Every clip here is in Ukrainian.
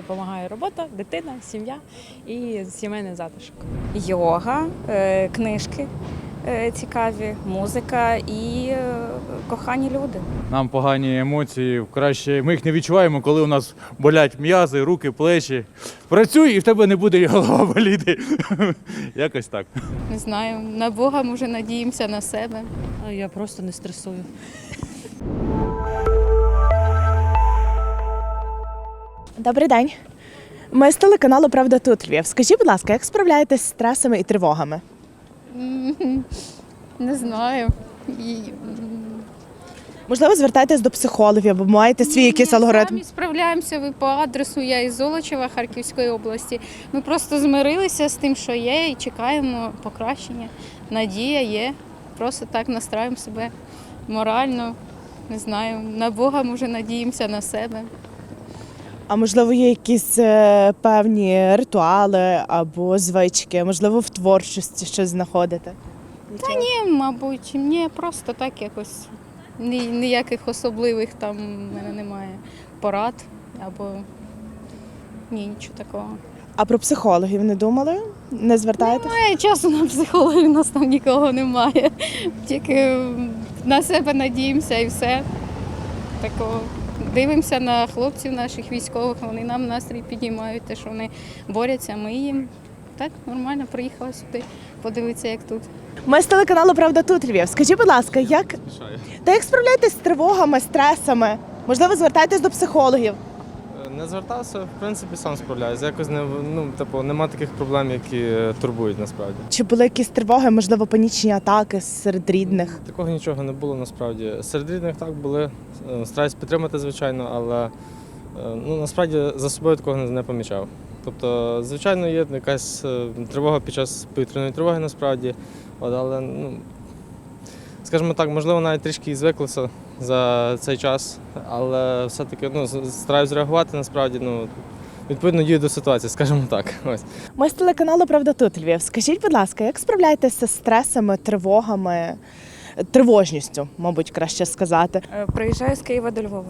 допомагає робота, дитина, сім'я і сімейний затишок. Йога, книжки цікаві, музика і кохані люди. Нам погані емоції, краще ми їх не відчуваємо, коли у нас болять м'язи, руки, плечі. Працюй і в тебе не буде голова боліти. Якось так. Не знаю, на Бога, може, надіємося на себе. Я просто не стресую. Добрий день. Ми з телеканалу «Правда тут Львів». Скажіть, будь ласка, як справляєтесь з стресами і тривогами? Не знаю. Можливо, звертаєтесь до психологів або маєте свій якийсь алгоритм? Самі справляємося, ви по адресу, я із Золочева, Харківської області. Ми просто змирилися з тим, що є, і чекаємо покращення. Надія є. Просто так настраємо себе морально. Не знаю, на Бога, може, надіємося на себе. А можливо, є якісь певні ритуали або звички, можливо, в творчості щось знаходите? Ні, мабуть, ні, просто так якось. Ніяких особливих там в мене немає порад або нічого такого. А про психологів не думали? Не звертаєтесь? Немає часу на психологів, у нас там нікого немає. Тільки на себе надіємося і все. Такого. Дивимося на хлопців наших військових, вони нам настрій підіймають, те, що вони борються, ми їм. Так, нормально, приїхала сюди подивитися, як тут. Ми з телеканалу «Правда тут Львів». Скажіть, будь ласка, як справляєтесь з тривогами, стресами? Можливо, звертаєтесь до психологів? Не звертався, в принципі, сам справляюся. Якось нема таких проблем, які турбують насправді. Чи були якісь тривоги, можливо, панічні атаки серед рідних? Такого нічого не було насправді. Серед рідних так були. Стараюсь підтримати, звичайно, але насправді за собою такого не помічав. Тобто, звичайно, є якась тривога під час повітряної тривоги насправді, але, скажімо так, можливо, навіть трішки і звиклися за цей час, але все-таки стараюсь реагувати насправді, відповідно дію до ситуації, скажімо так. Ось. Ми з телеканалу «Правда тут Львів». Скажіть, будь ласка, як справляєтеся з стресами, тривогами, тривожністю, мабуть, краще сказати? Приїжджаю з Києва до Львова.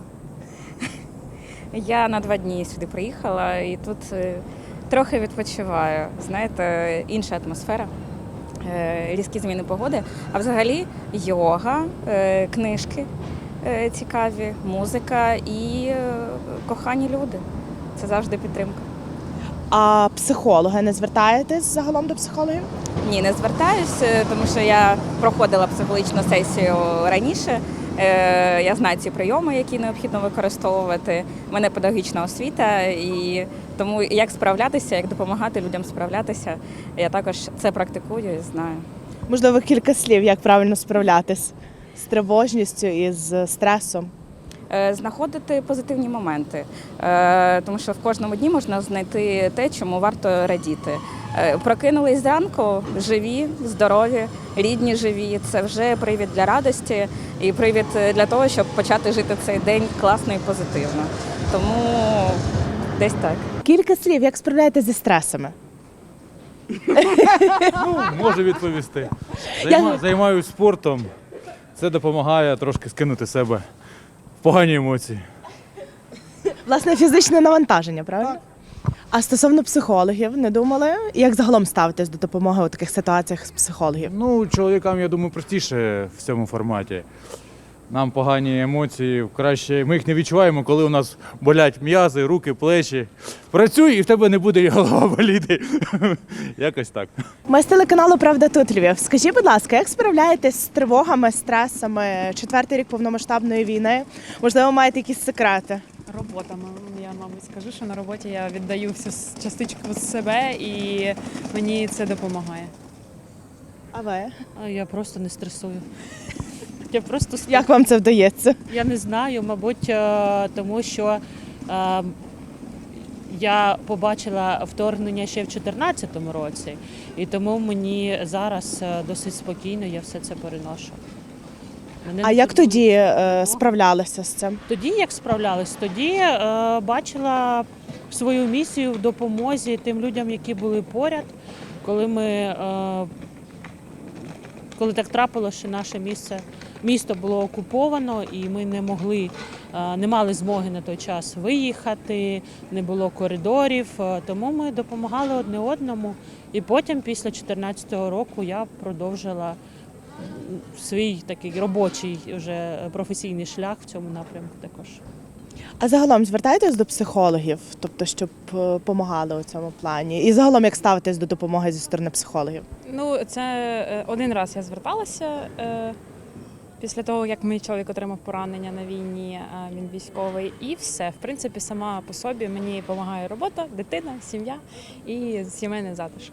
Я на 2 дні сюди приїхала і тут трохи відпочиваю. Знаєте, інша атмосфера, різкі зміни погоди. А взагалі йога, книжки цікаві, музика і кохані люди. Це завжди підтримка. А психологи не звертаєтесь загалом до психологів? Ні, не звертаюсь, тому що я проходила психологічну сесію раніше. Я знаю ці прийоми, які необхідно використовувати. У мене педагогічна освіта, і тому як справлятися, як допомагати людям справлятися, я також це практикую і знаю. Можливо, кілька слів, як правильно справлятись з тривожністю і з стресом? Знаходити позитивні моменти, тому що в кожному дні можна знайти те, чому варто радіти. Прокинулись зранку, живі, здорові, рідні живі. Це вже привід для радості і привід для того, щоб почати жити цей день класно і позитивно. Тому десь так. Кілька слів, як справляєтесь зі стресами? Можу відповісти. Займаюся спортом. Це допомагає трошки скинути з себе погані емоції. Власне, фізичне навантаження, правильно? Так. А стосовно психологів, не думали? Як загалом ставитесь до допомоги у таких ситуаціях з психологів? Чоловікам, я думаю, простіше в цьому форматі. Нам погані емоції, краще ми їх не відчуваємо, коли у нас болять м'язи, руки, плечі. Працюй і в тебе не буде голова боліти. Якось так. Ми з телеканалу «Правда тут Львів». Скажіть, будь ласка, як справляєтесь з тривогами, стресами, 4-й рік повномасштабної війни? Можливо, маєте якісь секрети? Робота, я, мабуть, скажу, що на роботі я віддаю всю частичку з себе і мені це допомагає. А ви? Я просто не стресую. Я просто Як вам це вдається? Я не знаю, мабуть, тому що я побачила вторгнення ще в 2014 році, і тому мені зараз досить спокійно, я все це переношу. А як тоді справлялися з цим? Тоді як справлялась? Тоді бачила свою місію в допомозі тим людям, які були поряд, коли так трапилося, що наше місце місто було окуповано, і ми не мали змоги на той час виїхати, не було коридорів, тому ми допомагали одне одному. І потім, після 2014 року, я продовжила свій такий робочий вже професійний шлях в цьому напрямку також. А загалом звертаєтесь до психологів, тобто щоб допомагали у цьому плані? І загалом як ставитесь до допомоги зі сторони психологів? Ну, це один раз я зверталася після того, як мій чоловік отримав поранення на війні, він військовий, і все. В принципі, сама по собі мені допомагає робота, дитина, сім'я і сімейний затишок.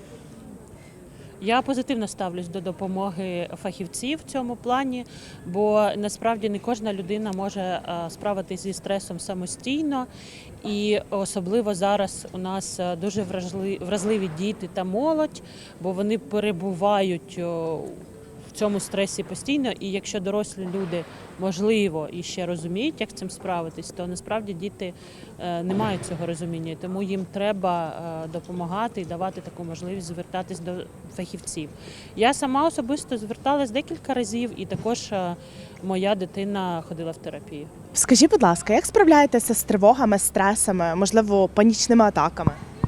Я позитивно ставлюсь до допомоги фахівців в цьому плані, бо насправді не кожна людина може справитися зі стресом самостійно. І особливо зараз у нас дуже вразливі діти та молодь, бо вони перебувають в цьому стресі постійно. І якщо дорослі люди, можливо, і ще розуміють, як з цим справитись, то насправді діти не мають цього розуміння. Тому їм треба допомагати і давати таку можливість звертатись до фахівців. Я сама особисто зверталась декілька разів, і також моя дитина ходила в терапію. Скажіть, будь ласка, як справляєтеся з тривогами, стресами, можливо, панічними атаками?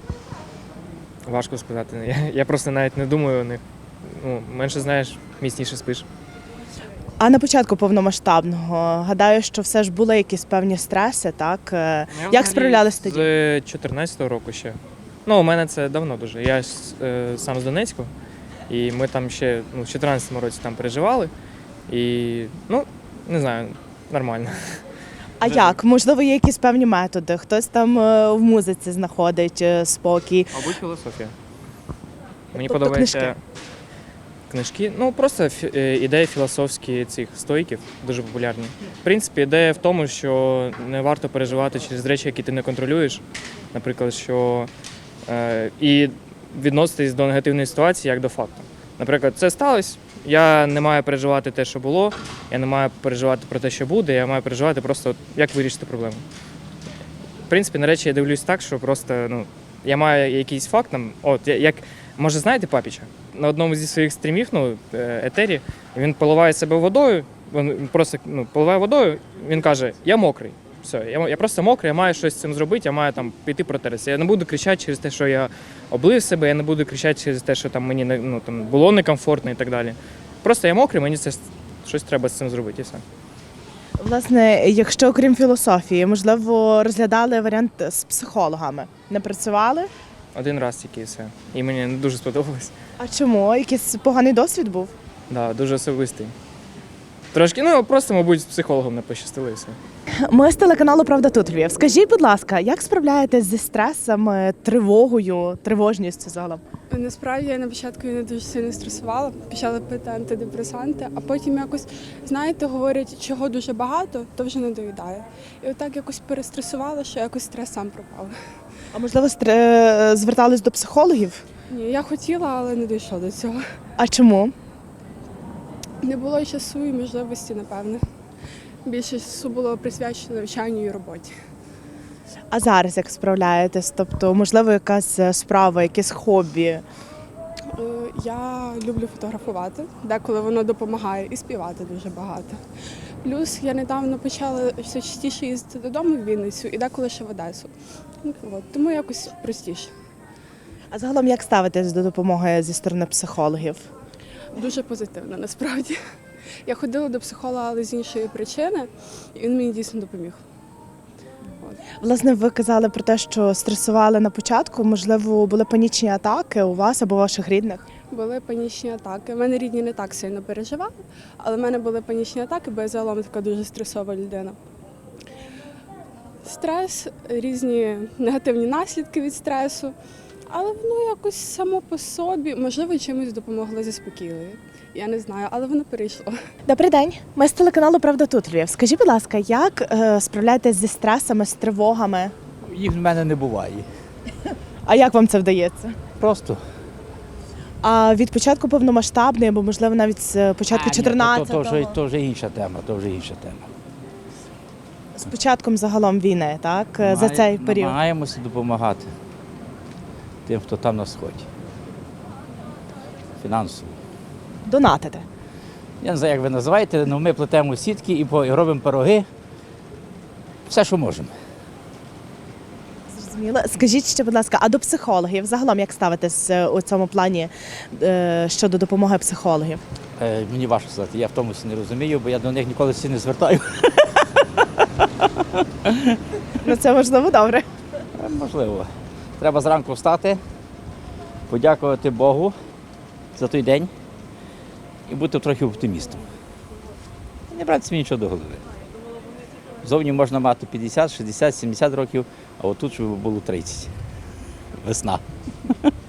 Важко сказати. Я просто навіть не думаю о них. Ну, менше знаєш, міцніше спиш. А на початку повномасштабного, гадаю, що все ж були якісь певні стреси, так? Як справлялись тоді? З 2014 року ще. Ну, у мене це давно дуже. Я сам з Донецьку, і ми там ще в 2014 році там переживали. І, ну, не знаю, нормально. А як? Можливо, є якісь певні методи? Хтось там в музиці знаходить спокій. Мабуть, філософія. Мені Тобто подобається книжки. Ну, просто ідеї філософські цих стоїків дуже популярні. В принципі, ідея в тому, що не варто переживати через речі, які ти не контролюєш. Наприклад, що і відноситись до негативної ситуації як до факту. Наприклад, це сталося, я не маю переживати те, що було, я не маю переживати про те, що буде, я маю переживати просто, як вирішити проблему. В принципі, на речі я дивлюсь так, що просто, я маю якийсь факт, як, може, знаєте Папіча? На одному зі своїх стрімів, етері, він поливає себе водою, він просто поливає водою, він каже, я мокрий. Все, я просто мокрий, я маю щось з цим зробити, я маю там піти протерся. Я не буду кричати через те, що я облив себе, я не буду кричати через те, що там мені було некомфортно і так далі. Просто я мокрий, мені це щось треба з цим зробити і все. Власне, якщо окрім філософії, можливо, розглядали варіант з психологами, не працювали? Один раз тільки і все. І мені не дуже сподобалось. А чому? Якийсь поганий досвід був? Да, дуже особистий. Трошки, просто, мабуть, з психологом не пощастило і все. Ми з телеканалу «Правда тут Львів». Скажіть, будь ласка, як справляєтесь зі стресами, тривогою, тривожністю загалом? Насправді я на початку не дуже сильно стресувала, почала пити антидепресанти, а потім якось, знаєте, говорять, чого дуже багато, то вже не доїдає. І отак якось перестресувала, що якось стрес сам пропав. А можливо, звертались до психологів? Ні, я хотіла, але не дійшло до цього. А чому? Не було часу і можливості, напевне. Більше часу було присвячено навчанню і роботі. А зараз як справляєтесь? Тобто, можливо, якась справа, якесь хобі? Я люблю фотографувати, деколи воно допомагає, і співати дуже багато. Плюс я недавно почала все частіше їздити додому в Вінницю і деколи ще в Одесу. Тому якось простіше. А загалом як ставитесь до допомоги зі сторони психологів? Дуже позитивно, насправді. Я ходила до психолога, але з іншої причини, і він мені дійсно допоміг. Власне, ви казали про те, що стресували на початку. Можливо, були панічні атаки у вас або ваших рідних? Були панічні атаки. У мене рідні не так сильно переживали, але в мене були панічні атаки, бо я загалом така дуже стресова людина. Стрес, різні негативні наслідки від стресу, але воно якось само по собі, можливо, чимось допомогло заспокійливо. Я не знаю, але воно перейшло. Добрий день. Ми з телеканалу «Правда тут Львів». Скажіть, будь ласка, як справляєтесь зі стресами, з тривогами? Їх в мене не буває. А як вам це вдається? Просто. А від початку повномасштабної, або, можливо, навіть з початку 14-го? То вже інша тема, З початком загалом війни, так? За цей період? Намагаємося допомагати тим, хто там на сході. Фінансово. Донатите? Я не знаю, як ви називаєте, але ми плетемо сітки і робимо пироги. Все, що можемо. Зрозуміло. Скажіть ще, будь ласка, а до психологів загалом як ставитесь у цьому плані щодо допомоги психологів? Мені важко сказати, я в тому не розумію, бо я до них ніколи не звертаю. Ну це можливо добре. Можливо. Треба зранку встати, подякувати Богу за той день і бути трохи оптимістом. І не брати собі нічого до голови. Зовні можна мати 50, 60, 70 років, а отут, щоб було 30. Весна.